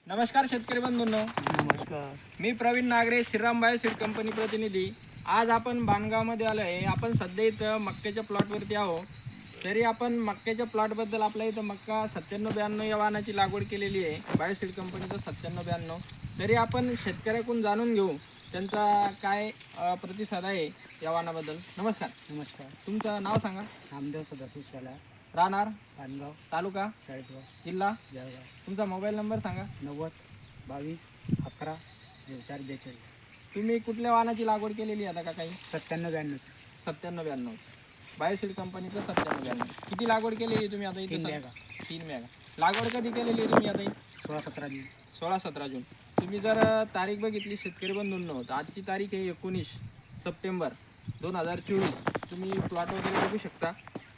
नमस्कार शेतकरी बंधूंनो, नमस्कार. मी प्रवीण नागरे, श्रीराम बायोसीड कंपनी प्रतिनिधी. आज आपण बाणगावमध्ये आलो आहे. आपण सध्या इथं मक्क्याच्या प्लॉटवरती आहो. तरी आपण मक्क्याच्या प्लॉटबद्दल आपल्या इथं मक्का 9792 या वाहनाची लागवड केलेली आहे, बायोसीड कंपनीचं 9792. तरी आपण शेतकऱ्याकडून जाणून घेऊ त्यांचा काय प्रतिसाद आहे या वाहनाबद्दल. नमस्कार, नमस्कार. तुमचं नाव सांगा. नामदेव सदाशिव शाला, राहणार, पानगाव, तालुका, चाळीसगाव, जिल्हा, जळगाव. तुमचा मोबाईल नंबर सांगा. 90 22 11 0442. तुम्ही कुठल्या वाहनाची लागवड केलेली आहे आता का काही? 9792. 9792 बायोसीड कंपनीचं 9792. किती लागवड केलेली आहे तुम्ही आता इथे? 3 बॅगा. 3 मेगा. लागवड कधी केलेली आहे तुम्ही आता? 16-17 जून. 16-17 जून. तुम्ही जर तारीख बघितली शेतकरी बंधूंनो, तर आजची तारीख आहे 19 सप्टेंबर 2024. तुम्ही प्लॉट वगैरे बघू शकता.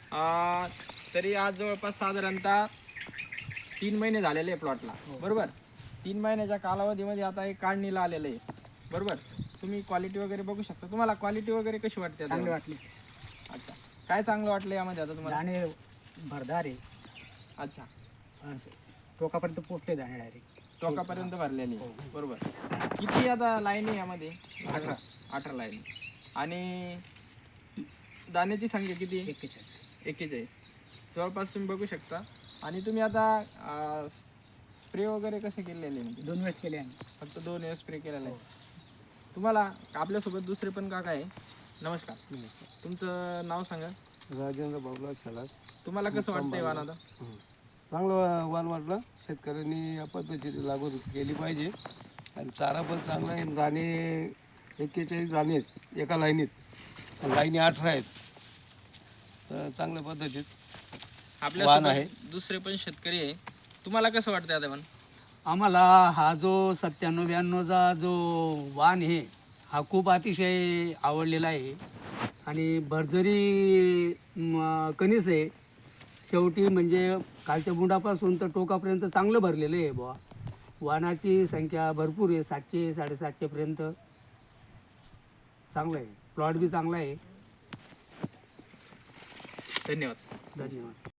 तरी आज जवळपास साधारणतः 3 महिने झालेले आहे प्लॉटला, बरोबर. 3 महिन्याच्या कालावधीमध्ये आता एक काढणीला आलेलं आहे, बरोबर. तुम्ही क्वालिटी वगैरे बघू शकता. तुम्हाला क्वालिटी वगैरे कशी वाटते आता? चांगली वाटली. अच्छा, काय चांगलं वाटलं यामध्ये आता तुम्हाला? दाणे भरदार आहे. अच्छा, असं टोकापर्यंत पोचले दाणे डायरेक्ट. टोकापर्यंत भरलेली आहे, बरोबर. किती आता लाईन आहे यामध्ये? 18 लाईन. आणि दाण्याची संख्या किती? 41. जवळपास तुम्ही बघू शकता. आणि तुम्ही आता स्प्रे वगैरे कसे केलेले? 2 वेळेस केले आम्ही. फक्त 2 वेळेस स्प्रे केलेला आहे. तुम्हाला आपल्यासोबत दुसरे पण काका आहे. नमस्कार, तुमचं नाव सांगा. राजेंद्र बाबूराव छलास. तुम्हाला कसं वाटतंय वाण आता? चांगलं वाण वाटलं. शेतकऱ्यांनी या पद्धतीची लागवड केली पाहिजे. आणि चारा पण चांगला आहे. दाणे 41 दाणे आहेत एका लाईनीत, लाईनी 18 आहेत. तर चांगल्या पद्धतीत वाण आहे. आपल्या दुसरे पण शेतकरी आहे. तुम्हाला कसं वाटतंय आता पण? आम्हाला हा जो 9792चा जो वाण आहे हा खूप अतिशय आवडलेला आहे. आणि भरजरी कणीस आहे. शेवटी म्हणजे खालच्या बुंडापासून तर टोकापर्यंत चांगलं भरलेलं आहे बुवा. वाणाची संख्या भरपूर आहे, 700 750 पर्यंत. चांगलं आहे, प्लॉट बी चांगला आहे. धन्यवाद. धन्यवाद.